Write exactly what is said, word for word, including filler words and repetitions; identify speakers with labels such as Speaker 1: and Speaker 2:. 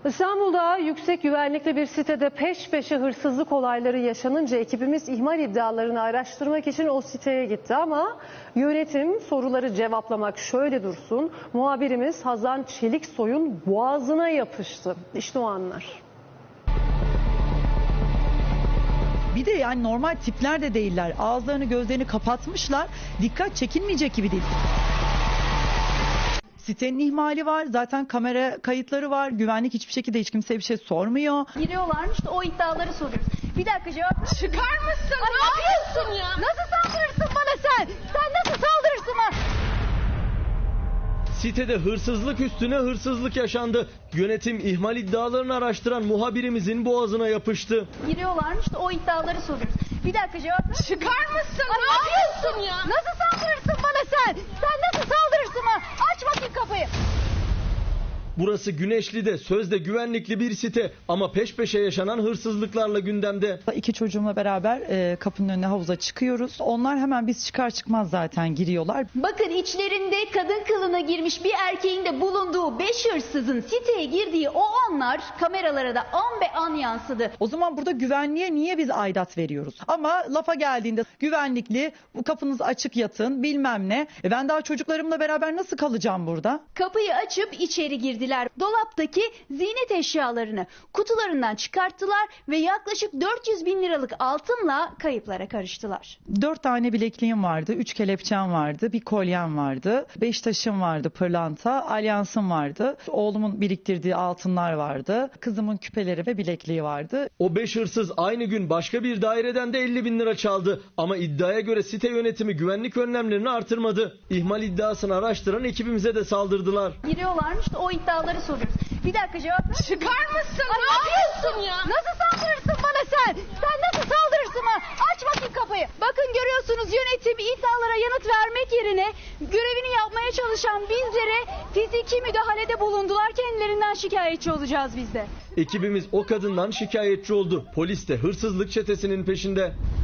Speaker 1: İstanbul'da yüksek güvenlikli bir sitede peş peşe hırsızlık olayları yaşanınca ekibimiz ihmal iddialarını araştırmak için o siteye gitti ama yönetim soruları cevaplamak şöyle dursun, muhabirimiz Hazan Çeliksoy'un boğazına yapıştı. İşte o anlar.
Speaker 2: Bir de yani normal tipler de değiller. Ağızlarını gözlerini kapatmışlar. Dikkat çekilmeyecek gibi değil. Sitenin ihmali var. Zaten kamera kayıtları var. Güvenlik hiçbir şekilde hiç kimseye bir şey sormuyor.
Speaker 3: Giriyorlarmış da o iddiaları soruyoruz. Bir dakika cevap.
Speaker 4: Çıkar mısın?
Speaker 3: Ay,
Speaker 4: ne yapıyorsun ya?
Speaker 3: Nasıl saldırırsın bana sen? Sen nasıl saldırırsın bana?
Speaker 5: Sitede hırsızlık üstüne hırsızlık yaşandı. Yönetim ihmal iddialarını araştıran muhabirimizin boğazına yapıştı.
Speaker 3: Giriyorlarmış da o iddiaları soruyoruz. Bir dakika cevap.
Speaker 4: Çıkar mısın?
Speaker 3: Ay,
Speaker 4: ne yapıyorsun ya?
Speaker 3: Nasıl saldırırsın bana sen? Sen nasıl saldırırsın bana? Aç bakayım kapıyı.
Speaker 5: Burası Güneşli'de sözde güvenlikli bir site ama peş peşe yaşanan hırsızlıklarla gündemde.
Speaker 2: İki çocuğumla beraber e, kapının önüne havuza çıkıyoruz. Onlar hemen biz çıkar çıkmaz zaten giriyorlar.
Speaker 3: Bakın içlerinde kadın kılığına girmiş bir erkeğin de bulunduğu beş hırsızın siteye girdiği o anlar kameralara da an be an yansıdı.
Speaker 2: O zaman burada güvenliğe niye biz aidat veriyoruz? Ama lafa geldiğinde güvenlikli, bu kapınız açık yatın bilmem ne. E ben daha çocuklarımla beraber nasıl kalacağım burada?
Speaker 3: Kapıyı açıp içeri girdiler. Dolaptaki ziynet eşyalarını kutularından çıkarttılar ve yaklaşık dört yüz bin liralık altınla kayıplara karıştılar.
Speaker 2: Dört tane bilekliğim vardı, üç kelepçem vardı, bir kolyem vardı, beş taşım vardı, pırlanta, alyansım vardı, oğlumun biriktirdiği altınlar vardı, kızımın küpeleri ve bilekliği vardı.
Speaker 5: O beş hırsız aynı gün başka bir daireden de elli bin lira çaldı. Ama iddiaya göre site yönetimi güvenlik önlemlerini artırmadı. İhmal iddiasını araştıran ekibimize de saldırdılar.
Speaker 3: Giriyorlarmış da o iddiaları soruyoruz. Bir dakika cevap.
Speaker 4: Çıkar mısın?
Speaker 3: Ay,
Speaker 4: ne yapıyorsun ya?
Speaker 3: Nasıl saldırırsın bana sen? Sen nasıl saldırırsın bana? Aç bakayım kapıyı. Bakın görüyorsunuz yönetim iddialara yanıt vermek yerine görevini yapmaya çalışan bizlere fiziki müdahalede bulundular. Kendilerinden şikayetçi olacağız biz de.
Speaker 5: Ekibimiz o kadından şikayetçi oldu. Polis de hırsızlık çetesinin peşinde.